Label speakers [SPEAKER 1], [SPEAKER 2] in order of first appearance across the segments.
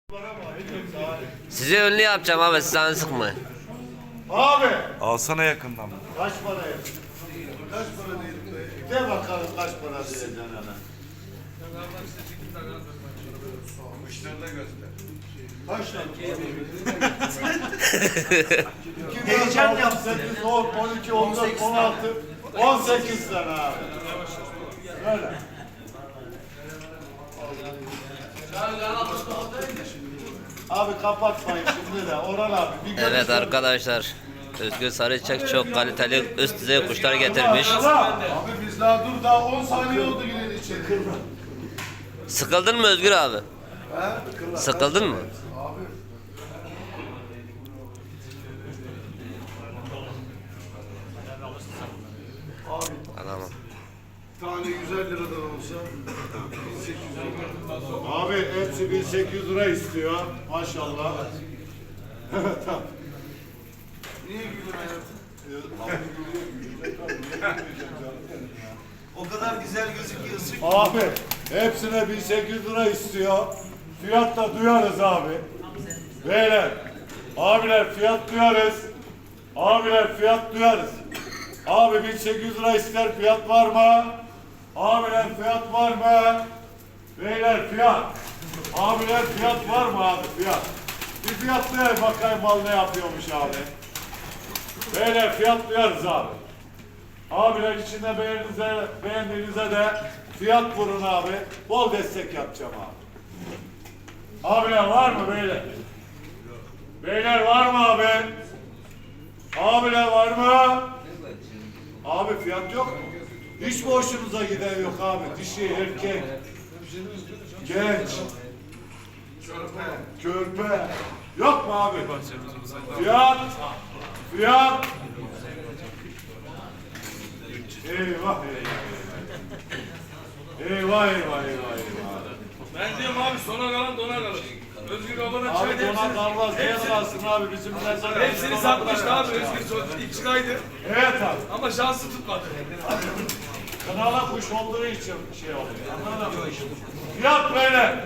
[SPEAKER 1] Size ünlü yapacağım abi, siz canı sıkmayın.
[SPEAKER 2] Abi
[SPEAKER 3] Alsana yakından.
[SPEAKER 2] kaç para yaptın? Kaç para değil be? De bakalım kaç para diyeceksin ana.
[SPEAKER 3] Müşteride göster.
[SPEAKER 2] Kaç tane? Heyecan yapsın. 8, 10, 12, 14, 16, 18 tane abi. Öyle. Abi kapatmayın şimdi de Orhan abi. Bir
[SPEAKER 1] Evet
[SPEAKER 2] görüşelim.
[SPEAKER 1] arkadaşlar, Özgür Sarıçak çok kaliteli üst düzey kuşlar getirmiş.
[SPEAKER 2] Abi biz daha dur daha 10 saniye oldu gidelim içeri.
[SPEAKER 1] Sıkıldın mı Özgür abi? Sıkıldın mı? Anlamam.
[SPEAKER 4] Tane 150 liradan olsa 1800 lira.
[SPEAKER 2] Abi hepsi 1800 lira istiyor. Maşallah. Tamam.
[SPEAKER 4] Niye gülüyorsun hayatım? O kadar güzel gözüküyorsun ki.
[SPEAKER 2] Abi hepsine 1800 lira istiyor. Fiyat da duyarız abi. Beyler, abiler fiyat duyarız. Abiler fiyat duyarız. Abi 1800 lira ister, fiyat var mı? Abiler fiyat var mı? Beyler fiyat. Abiler fiyat var mı abi, fiyat? Bir fiyatlayalım bakayım mal ne yapıyormuş abi. Beyler fiyat duyarız abi. Abiler içinde beğendiğinize de fiyat vurun abi. Bol destek yapacağım abi. Abiler var mı beyler? Beyler var mı abi? Abiler var mı? Abi fiyat yok mu? Hiç mi hoşunuza giden yok abi? Dişi, erkek, genç, körpe. Yok mu abi? Fiyat, fiyat. Eyvah eyvah eyvah eyvah.
[SPEAKER 5] Ben diyorum abi sona kalan dona kalır. Özgür babana
[SPEAKER 2] Abi
[SPEAKER 5] çay
[SPEAKER 2] dona kalmaz diye kalsın abi bizim mezar.
[SPEAKER 5] hepsini satmıştı abi Özgür ilk çıkaydı.
[SPEAKER 2] Evet abi.
[SPEAKER 5] Ama şansı tutmadı.
[SPEAKER 2] Kanala kuş olduğu için şey oluyor. Anladın mı? Fiyat böyle.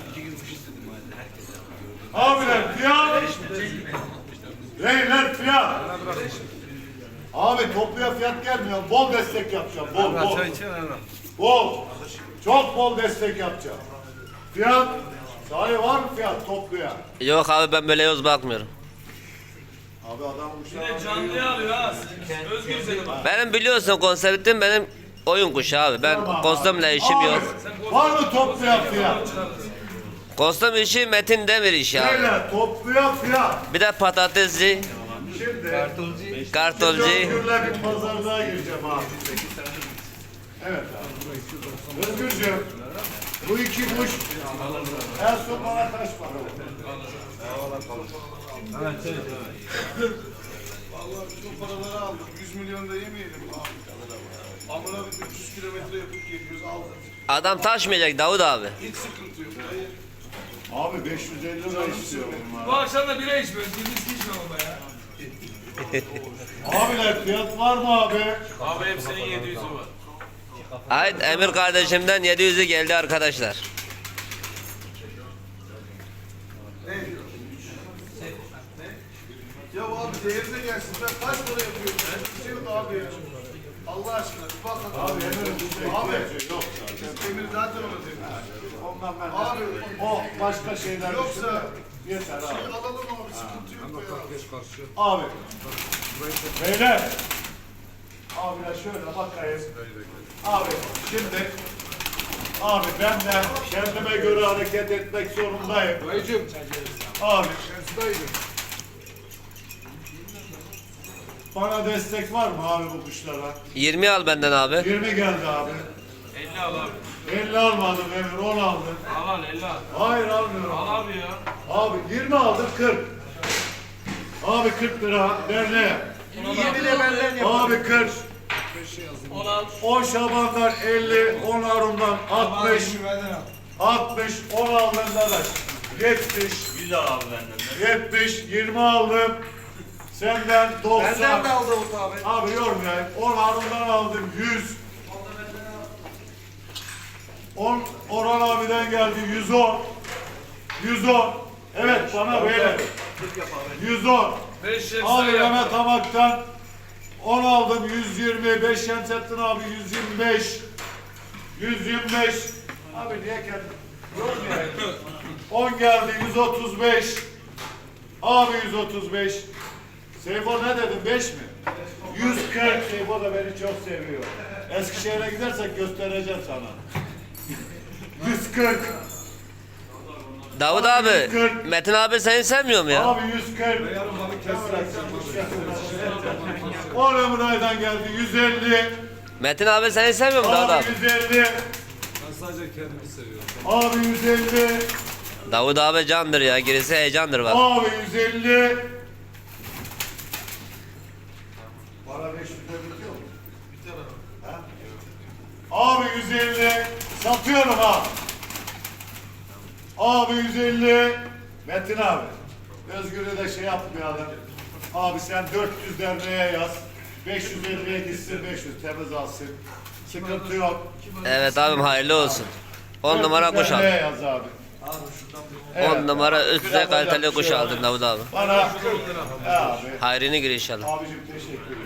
[SPEAKER 2] Abiler fiyat. Beyler fiyat. Abi topluya fiyat gelmiyor. Bol destek yapacağım. Bol bol. Bol. Çok bol destek yapacağım. Fiyat. Sahi var mı fiyat topluya?
[SPEAKER 1] Yok abi, ben böyle yoz bakmıyorum.
[SPEAKER 2] Abi adam
[SPEAKER 5] Yine
[SPEAKER 2] kuşlar.
[SPEAKER 5] canlıya alıyor ha. Özgür seni bak.
[SPEAKER 1] Benim biliyorsun konseptim benim oyun kuşu abi. Ben kostümle işim yok.
[SPEAKER 2] Var mı topluya fiyat?
[SPEAKER 1] Kostüm işi Metin Demir işi abi.
[SPEAKER 2] Beyler topluya fiyat.
[SPEAKER 1] Bir de patatesci,
[SPEAKER 2] Şimdi
[SPEAKER 1] kartolcu.
[SPEAKER 2] Özgür'le bir pazarlığa gireceğim abi. Evet abi. Özgürcüğüm, bu iki kuş en son bana kaç para oldu?
[SPEAKER 4] Vallahi biz o paraları aldık. 100 milyon da yemeyelim abi. Amına bir 300 kilometre yapıp geliyoruz aldık.
[SPEAKER 1] Adam taşmayacak Davut abi.
[SPEAKER 4] Hiç sıkıntı yok.
[SPEAKER 2] Abi 550 lira istiyor bunlar.
[SPEAKER 5] Bu akşam da bira içmiyoruz. Biz içme baba ya.
[SPEAKER 2] Abiler fiyat var mı abi?
[SPEAKER 5] Abi hepsinin 700'ü var.
[SPEAKER 1] Ait Emir kardeşimden 700'ü geldi arkadaşlar.
[SPEAKER 4] Ya abi değerine gelsin. Ben kaç para yapıyorum? Bir şey yok abi ya. Allah aşkına bir bak hadi.
[SPEAKER 2] Abi Emir'in bize
[SPEAKER 4] Abi.
[SPEAKER 2] ihtiyacı yok zaten.
[SPEAKER 4] Biz Emir zaten ona demiş.
[SPEAKER 2] Ondan ben
[SPEAKER 4] Abi.
[SPEAKER 2] o başka şeyler
[SPEAKER 4] Yoksa-
[SPEAKER 2] düşünme. Yeter abi.
[SPEAKER 4] Şey alalım abi sıkıntı yok ya.
[SPEAKER 2] Abi. Beyler. Abiler şöyle bakayım. Abi şimdi abi ben de kendime göre hareket etmek zorundayım. Abi. Bana destek var mı abi bu kuşlara?
[SPEAKER 1] 20 al benden abi.
[SPEAKER 2] 20 geldi abi.
[SPEAKER 5] 50 al abi.
[SPEAKER 2] 50 almadım Emir, 10 aldım.
[SPEAKER 5] Al 50 al.
[SPEAKER 2] Hayır almıyorum.
[SPEAKER 5] Al abi ya.
[SPEAKER 2] Abi 20 aldım 40. Abi 40 lira derneğe. Abi 40.
[SPEAKER 5] 10 al.
[SPEAKER 2] 10 Şaban'dan 50, 10 Harun'dan 60. 60, 10 aldım dadaş. 70.
[SPEAKER 5] 100 al abi benden.
[SPEAKER 2] 70, 20 aldım. Senden 90.
[SPEAKER 4] Benden de aldı abi.
[SPEAKER 2] Abi yormayayım. 10 Harun'dan aldım 100. 10 Orhan abiden geldi 110. 110. Evet bana böyle. 110.
[SPEAKER 5] 5
[SPEAKER 2] Abi Mehmet Hamak'tan 10 aldım 120. 5 Şemsettin abi 125. 125. Abi niye kendin? Görmüyor. 10 geldi 135. Abi 135. Seyfo ne dedim 5 mi? 140. Seyfo da beni çok seviyor. Eskişehir'e gidersek göstereceğim sana. 140.
[SPEAKER 1] Davut abi,
[SPEAKER 2] 140.
[SPEAKER 1] Metin abi seni sevmiyor mu ya?
[SPEAKER 2] Abi 140. O Emrah'dan geldi 150.
[SPEAKER 1] Metin abi seni sevmiyor mu Davut
[SPEAKER 2] Abi
[SPEAKER 1] abi?
[SPEAKER 2] 150.
[SPEAKER 5] Ben sadece kendimi seviyorum.
[SPEAKER 2] Abi 150.
[SPEAKER 1] Davut abi candır ya, gerisi heyecandır bak.
[SPEAKER 2] Abi 150. Para 500 bitiyor mu?
[SPEAKER 4] Biter abi.
[SPEAKER 2] Abi 150. Satıyorum ha. Abi 150. Metin abi. Özgür'ü de şey yapmayalım. Abi sen 400 derneğe yaz. 550'ye gitsin 500 temiz alsın. Sıkıntı yok.
[SPEAKER 1] Evet abim, hayırlı olsun. 10 numara
[SPEAKER 2] 400
[SPEAKER 1] kuş
[SPEAKER 2] derneğe
[SPEAKER 1] aldın.
[SPEAKER 2] yaz abi.
[SPEAKER 1] 10 numara üst düzey kaliteli kuş aldın Davut abi.
[SPEAKER 2] Bana abi.
[SPEAKER 1] Hayrını gir inşallah.
[SPEAKER 2] Abicim teşekkür ederim.